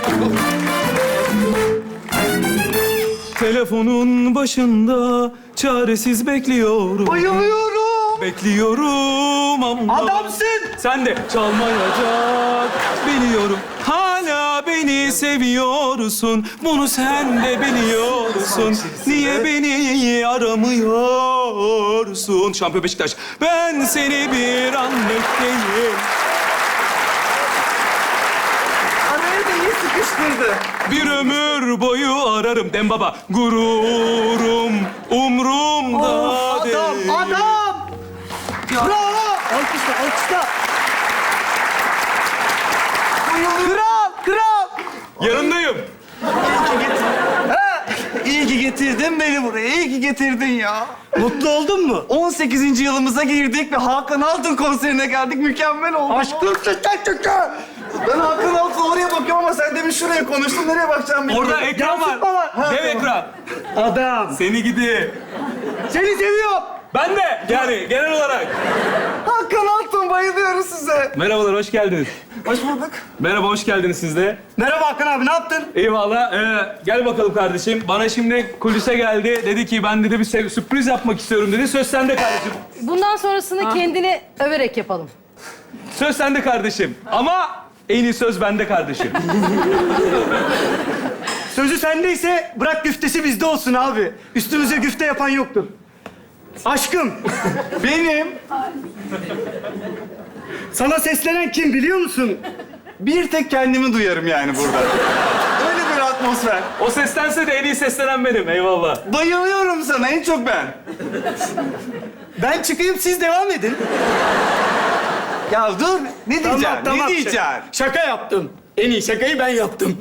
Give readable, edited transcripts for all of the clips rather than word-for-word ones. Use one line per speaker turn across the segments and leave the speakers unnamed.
Telefonun başında çaresiz bekliyorum.
Bayılıyorum.
Bekliyorum ama...
Adamsın.
Sen de çalmayacak biliyorum. Hala beni seviyorsun. Bunu sen de biliyorsun. Niye beni aramıyorsun? Şampiyon Beşiktaş. Ben seni bir anlık değil.
Araya da iyi sıkıştırdı.
Bir ömür boyu ararım Dembaba. Gururum umrumda değil.
Adam. Bravo. Alkışla, alkışla. Kral.
Yanındayım.
İyi ki getirdin beni buraya. İyi ki getirdin ya. Mutlu oldun mu? 18. yılımıza girdik ve Hakan Altun konserine geldik. Mükemmel oldu. Aşkım sıçak. Ben Hakan Altun oraya bakıyorum ama sen demin şuraya konuştun. Nereye bakacağım bilmiyorum.
Orada ekran var.
Yansıtma var. Ha,
Dev
tamam.
ekran.
Adam.
Seni gidi.
Seni seviyorum.
Ben de yani genel olarak.
Hakan Altun bayılıyoruz size.
Merhabalar, hoş geldiniz.
Hoş bulduk.
Merhaba, hoş geldiniz siz de.
Merhaba Hakan abi, ne yaptın?
Eyvallah. Gel bakalım kardeşim. Bana şimdi kulise geldi. Dedi ki ben dedi bir sürpriz yapmak istiyorum dedi. Söz sende kardeşim.
Bundan sonrasını kendini överek yapalım.
Söz sende kardeşim. Ama en iyi söz bende kardeşim.
Sözü sendeyse bırak güftesi bizde olsun abi. Üstümüze güfte yapan yoktur. Aşkım,
Benim
sana seslenen kim biliyor musun?
bir tek kendimi duyarım yani burada. Öyle bir atmosfer.
O seslense de en iyi seslenen benim. Eyvallah.
Bayılıyorum sana, en çok ben.
Ben çıkayım, siz devam edin.
Ya dur, ne diyeceğim? Ne diyeceğim?
Şaka yaptım. En iyi şakayı ben yaptım.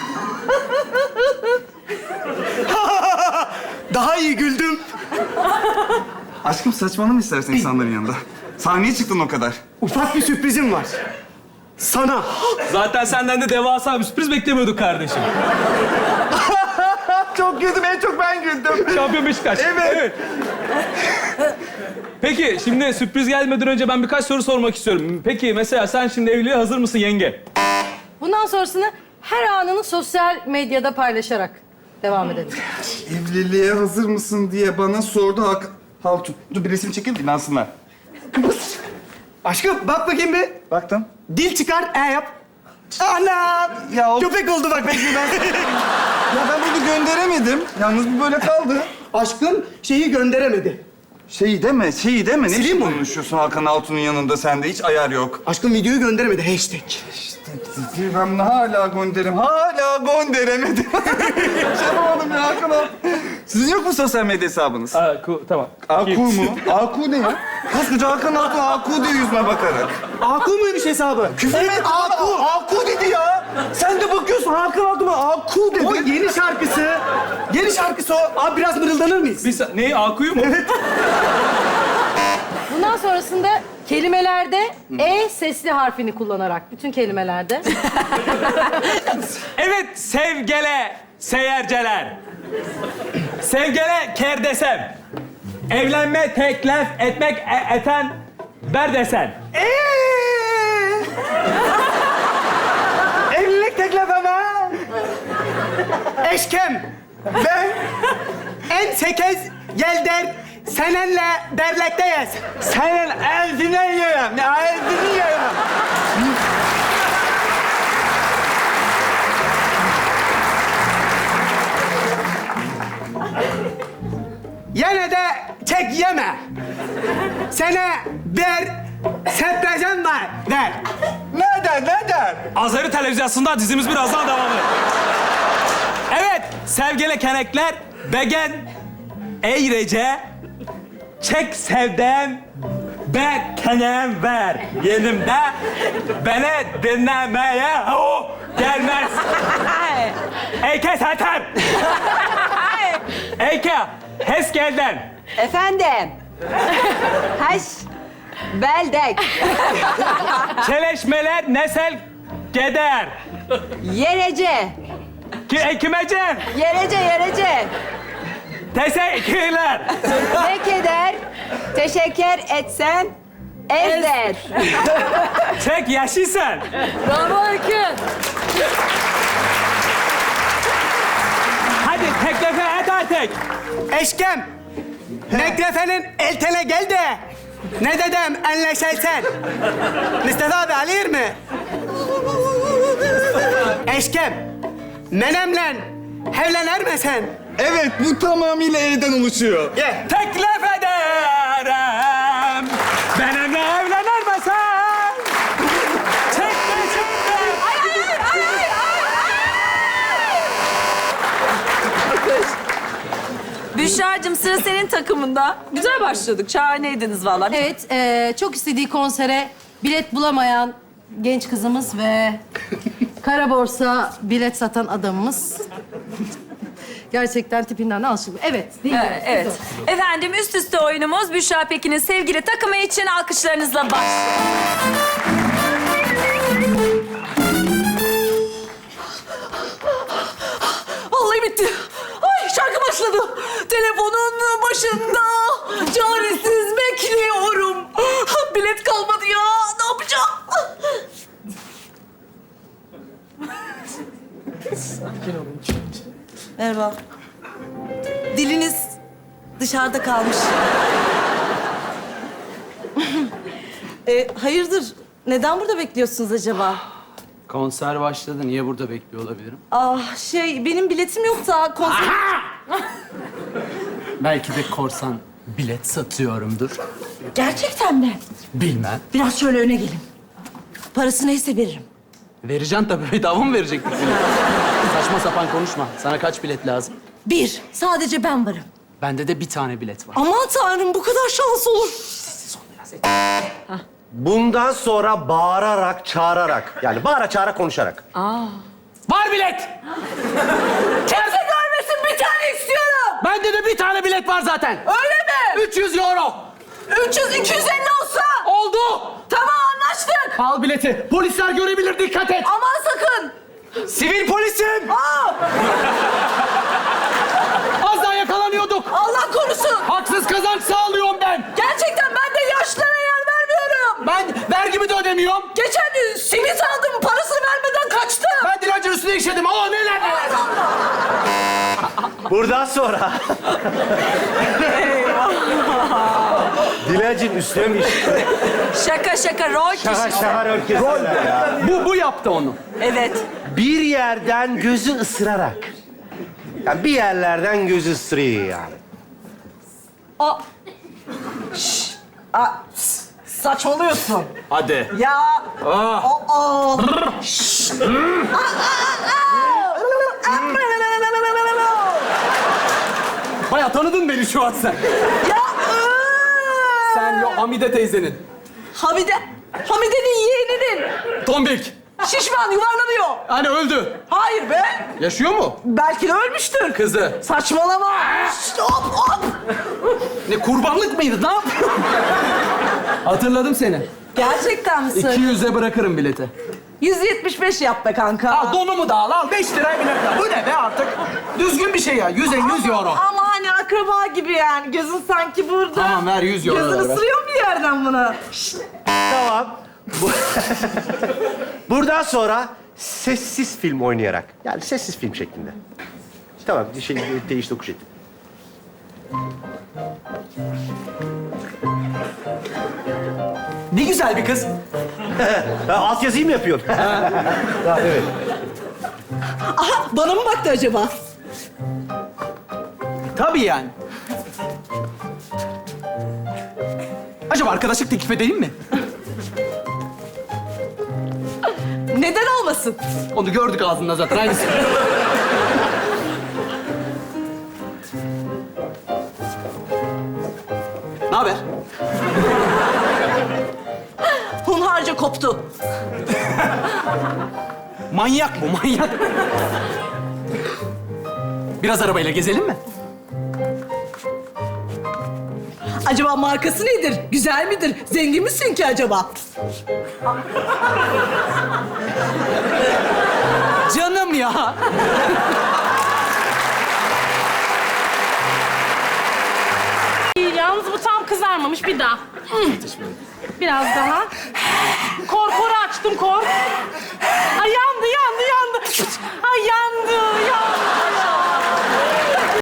Daha iyi güldüm.
Aşkım saçmalama istersen insanların yanında. Sahneye çıktın o kadar.
Ufak bir sürprizim var. Sana.
Zaten senden de devasa bir sürpriz beklemiyorduk kardeşim.
Çok güldüm, en çok ben güldüm.
Şampiyon Beşiktaş.
Evet.
Peki şimdi sürpriz gelmeden önce ben birkaç soru sormak istiyorum. Peki mesela sen şimdi evliliğe hazır mısın yenge?
Bundan sonrasını her anını sosyal medyada paylaşarak devam edelim.
Evliliğe hazır mısın diye bana sordu Haltun. Dur bir resim çekeyim inansınlar.
Aşkım bak bakayım bir.
Baktım.
Dil çıkar, yap. Anam!
Ya o...
Köpek oldu bak bekle ben.
Ya ben bunu gönderemedim. Yalnız bu böyle kaldı.
Aşkın şeyi gönderemedi.
Şeyi deme. Ne
Sileyim
biçim
mi?
konuşuyorsun Hakan Altun'un yanında? Sende hiç ayar yok.
Aşkın videoyu gönderemedi, hashtag.
Ben hala gönderim. Hala gönderemedim. Şey yapamadım ya Hakan Altun. Sizin yok mu sosyal medya hesabınız?
Tamam.
Aku mu? Aku ne ya? Koskoca Hakan Altun Aku diyor yüzüme bakarak.
Aku muymuş hesabı?
Küfür
Evet,
etme bana.
Aku.
Aku dedi ya. Sen de bakıyorsun Hakan Altun'a Aku dedi.
O yeni şarkısı. Yeni şarkısı o. Abi biraz mırıldanır mıyız?
Neyi? Akuyu mu? Evet.
Bundan sonrasında kelimelerde E sesli harfini kullanarak bütün kelimelerde.
Evet sevgele seyirciler. Sevgele ker desem. Evlenme teklif etmek eten ber desen.
Evlilik teklif ama. Eşkem. Ben en sekez gel der. Seninle derlekteyiz.
Senin eldine yiyorum. Eldini yiyorum.
Yine de çek yeme. Sana bir sürprizim var der.
Neden?
Azeri televizyonunda dizimiz birazdan devam eder. Evet sevgili kenekler begen eyrece çek sevdem be kenem ver yerimde beni dinlemeye gelmez. Eyke zaten. Eyke hes geldin.
Efendim. Haş. Beldek.
Çeleşmeler nesel geder.
Yerece.
Kimecem
Yerece.
teşekkürler.
Ne keder. Teşekkür etsen ezler.
Çek yaşıysan.
Bravo Öykü.
tek.
Eşkem. Mikrofonu eltene gel de. Ne dedim enleşelsen. Mustafa abi alır mı? Eşkem. Menemle evlenir misin?
Evet, bu tamamıyla E'den oluşuyor.
Teklif ederim. Benimle evlenir misin? Çekmecimde.
Büşra'cığım sıra senin takımında. Güzel başladık. Şahaneydiniz vallahi.
Evet, çok istediği konsere bilet bulamayan genç kızımız ve kara borsa bilet satan adamımız. Gerçekten tipinden de alışılıyor. Evet, değil mi?
Evet. Efendim üst üste oyunumuz Büşra Pekin'in sevgili takımı için alkışlarınızla başlıyor. Vallahi bitti. Ay şarkı başladı. Telefonun başında çaresiz bekliyorum. Bilet kalmadı ya. Ne yapacağım?
Merhaba. Diliniz dışarıda kalmış. Hayırdır? Neden burada bekliyorsunuz acaba?
Konser başladı. Niye burada bekliyor olabilirim?
Benim biletim yok da konser...
Belki de korsan bilet satıyorumdur.
Gerçekten mi?
Bilmem.
Biraz şöyle öne gelin. Parası neyse veririm.
Vereceksin tabii. Bedava mı verecektin? Saçma sapan konuşma. Sana kaç bilet lazım?
1. Sadece ben varım.
Bende de bir tane bilet var.
Aman tanrım bu kadar şans olur.
Bundan sonra bağırarak, çağırarak, yani bağıra çağıra konuşarak.
Var bilet!
Kimse görmesin, bir tane istiyorum.
Bende de bir tane bilet var zaten.
Öyle mi?
300 euro.
300, 250 olsa.
Oldu.
Tamam anlaştık.
Al bileti. Polisler görebilir. Dikkat et.
Aman sakın.
Sivil polisim. Az daha yakalanıyorduk.
Allah korusun.
Haksız kazanç sağlıyorum ben.
Gerçekten ben de yaşlara yer vermiyorum.
Ben vergimi de ödemiyorum.
Geçen gün simit aldım, parasını vermeden kaçtım.
Ben dilencinin üstüne işedim. Aa neler neler.
Buradan sonra... Dilencin üstüne mi işin?
Şaka şaka, rol
Şaka
kişi.
şaka rol ya.
Bu yaptı onu.
Evet.
Bir yerden gözü ısırarak. Yani bir yerlerden gözü ısırıyor yani.
Saçmalıyorsun.
Hadi.
Ya.
Bayağı tanıdın beni şu an sen. Sen yok Hamide teyzenin.
Hamide'nin yeğeninin.
Tombik.
Şişman, yuvarlanıyor.
Hani öldü.
Hayır be.
Yaşıyor mu?
Belki de ölmüştür.
Kızı.
Saçmalama. Şşt, hop hop.
Ne kurbanlık mıydı? Ne yapıyorsun? Hatırladım seni.
Gerçekten misin?
200'e bırakırım bileti.
175 yap be kanka.
Al donumu da al. 5 liraya bilet ver. Bu ne be artık? Düzgün bir şey ya. 100 euro.
Ama hani akraba gibi yani. Gözün sanki burada.
Tamam ver 100 euro.
Gözün
ver.
ısırıyor bir yerden buna.
Tamam. Buradan sonra sessiz film oynayarak. Yani sessiz film şeklinde. Tamam, değiş tokuş et.
Ne güzel bir kız.
Altyazıyı mı yapıyorsun? Evet.
Aha, bana mı baktı acaba?
Tabii yani. Acaba arkadaşlık teklif edeyim mi?
Neden olmasın?
Onu gördük ağzında zaten. Aynısı. Ne haber?
Hunharca koptu.
Manyak bu, manyak. Biraz arabayla gezelim mi?
Acaba markası nedir? Güzel midir? Zengin misin ki acaba?
Canım ya.
Yalnız bu tam kızarmamış. Bir daha. Biraz daha. Kor açtım kor. Ay ya